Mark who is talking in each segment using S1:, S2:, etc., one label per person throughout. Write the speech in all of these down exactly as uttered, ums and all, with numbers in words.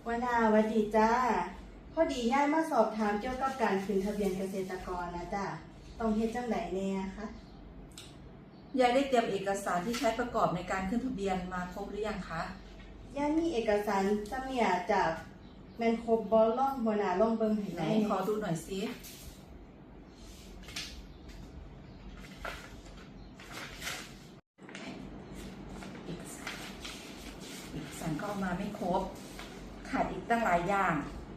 S1: วนาสวัสดีจ้าพอดีย่ายมาสอบถามเกี่ยวกับการขึ้นทะเบียนเกษตรกรนะจ้าต้องเฮ็ดจังไดแน่คะ
S2: ยายได้เตรียมเอกสารที่ใช้ประกอบในการขึ้นทะเบียนมาครบหรือยังคะ
S1: ย่ายมีเอกสารจำเนี่ยจากแมนครบบ่ล่องหัวหน้าล่องเบิ่งให้ไหน
S2: ขอดูหน่อยสิเอกสารเอกสารก็เอามาไม่ครบขาดอีกตั้งหลายอย่าง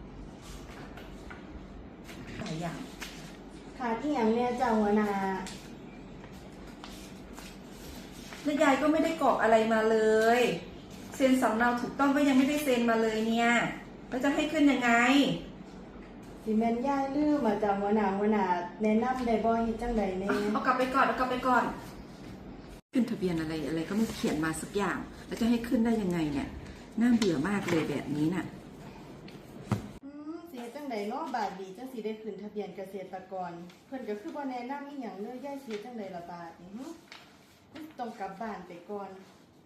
S2: หลายอย่าง
S1: ขาดอีหยังเนี่ยจ้าหัวหน้า
S2: แล้วยายก็ไม่ได้กรอกอะไรมาเลยเซ็นสำเนาถูกต้องก็ยังไม่ได้เซ็นมาเลยเนี่ยแล้วจะให้ขึ้นยังไง
S1: สิแม่นย่ายลืมมาจ้าหัวหน้าหัวหน้าแนะนำได้บ่เฮ็ดจังไดแน่
S2: เอากลับไปก่อนเอากลับไปก่อนขึ้นทะเบียนอะไรอะไรก็ไม่เขียนมาสักอย่างแล้วจะให้ขึ้นได้ยังไงเนี่ยน่าเบื่อมากเลยแบบนี้น่ะ
S1: อืมสิเฮ็ดจังไดเนาะบาดนี้จังสิได้ขึ้นทะเบียนเกษตรกรเพิ่นก็คือบ่แนะนำอีหยังเลยย่ายสิเฮ็ดจังไดล่ะบาดนี้หึต้องกลับบ้านไปก่อน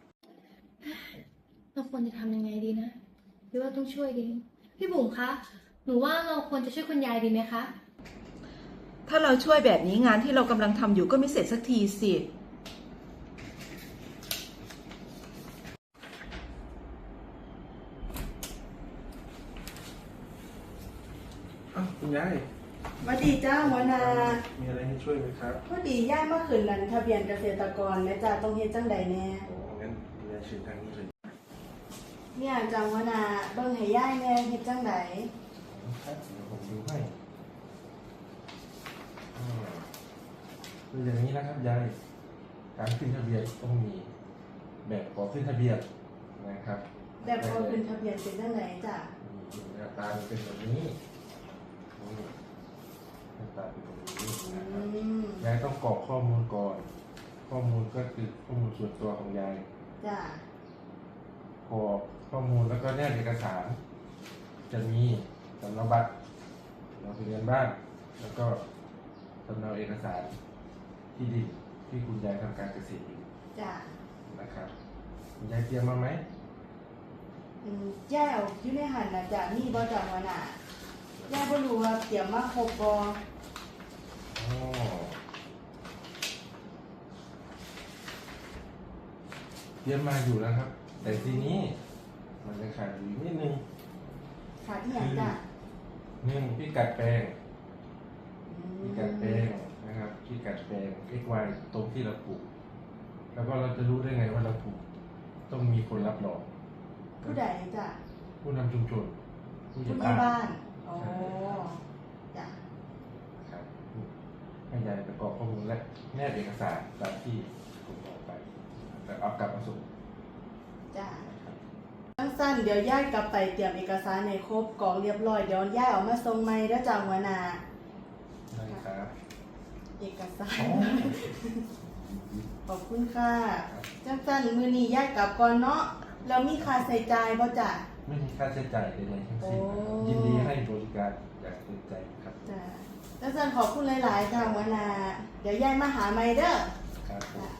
S3: เราควรจะทำยังไงดีนะหรือว่าต้องช่วยดีพี่บุ๋มคะหนูว่าเราควรจะช่วยคุณยายดีไหมคะ
S2: ถ้าเราช่วยแบบนี้งานที่เรากำลังทำอยู่ก็ไม่เสร็จสักทีสิ
S4: อ้าวคุณยาย
S1: สวัสดีจ้าหัวหน้า
S4: มีอะไรให้ช่วยไหมครับ
S1: พอดีย่ายมาขึ้นนั่นทะเบียนเกษตรกรแม่จ้าต้องเฮ็ดจังใดแน่
S4: อ๋องั้นคุณยายเชิญทางนี้เลย
S1: เนี่ยจ้าหัวหน้าเบิ่งให้ย่ายแน่เฮ็ดจังใด
S4: ครับเดี๋ยวผมดูให้อ่าคืออย่างนี้นะครับยายการขึ้นทะเบียนต้องมีแบบขอขึ้นทะเบียนนะครับ
S1: แบบขอขึ้นทะเบียนเป็นจังไดจ้ะ
S4: หน้าตาเป็นแบบนี้หน้าตาเป็นแบบนี้นะครับยายต้องกรอกข้อมูลก่อนข้อมูลก็คือข้อมูลส่วนตัวของยาย
S1: จ้ะ
S4: กรอกข้อมูลแล้วก็แนบเอกสารจะมีสำเนาบัตรเราทะเบียนบ้านแล้วก็สำเนาเอกสารที่ดินที่คุณยายทำการเกษตรอยู่
S1: จ้ะ
S4: นะครับคุณยายเตรียมมาไหม
S1: อืมย่ายเอาอยู่ในหันน่ะจ้ะมีบ่จ้ะหัวหน้าย่ายบ่รู้ว่าเตรียมมาครบบ่
S4: อ๋อเตรียมมาอยู่แล้วครับแต่ทีนี้มันจะขาดอยู่นิดนึง
S1: ขาดอีหยังจ้ะ
S4: หนึ่งพิกัดแปลงพิกัดแปลงนะครับพิกัดแปลง x y ตรงที่เราปลูกแล้วก็เราจะรู้ได้ไงว่าเราปลูกต้องมีคนรับรอง
S1: ผู้ใดจ้ะ
S4: ผู้นำชุมชน
S1: ผู้ใหญ่บ้านอ๋อจ้ะ
S4: ครับให้ยายประกอบข้อมูลและแนบเอกสารตามที่ผมบอกไปแล้วเอากลับมาส่ง
S1: จ้ะสั้นๆเดี๋ยวย่ายกลับไปเตรียมเอกสารในครบกรอกเรียบร้อยเดี๋ยวย่ายออกมาส่งใหม่แล้วจ้ะหัวหน้า
S4: ได้ครับ
S1: เอกสารขอบคุณค่ะจังสั้นมื้อนี้ย่ายกลับก่อนเนาะแล้วมีค่าใช้จ่ายบ่จ้ะ
S4: ไม่มีค่าใช้จ่ายใดๆทั้งสิ้นยินดีให้บริการอย่างเต็มใจครับ
S1: จ้ะจังสั้นขอบคุณหลายๆค่ะหัวหน้าเดี๋ยวย่ายมาหาใหม่เด้อ
S4: ครับ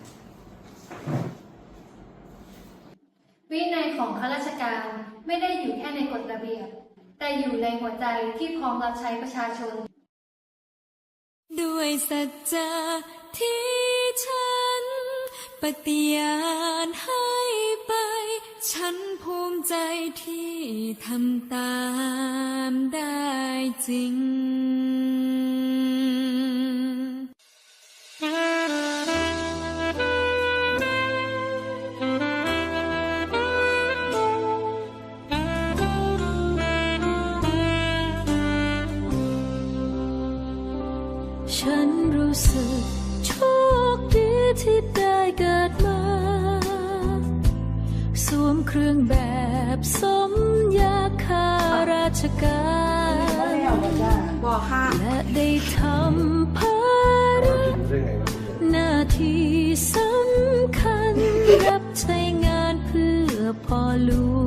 S3: วินัยของข้าราชการไม่ได้อยู่แค่ในกฎระเบียบแต่อยู่ในหัวใจที่พร้อมรับใช้ประชาชน
S5: ด้วยสัจจะที่ฉันปฏิญาณให้ไปฉันภูมิใจที่ทำตามได้จริงฉันรู้สึกโชคดีที่ได้เกิดมาสวมเครื่องแบบสมยาข้าราชการ
S2: บอกค่ะ
S5: และได้ทำภารกิจหน้าที่สำคัญรับใช้งานเพื่อพ่อหลวง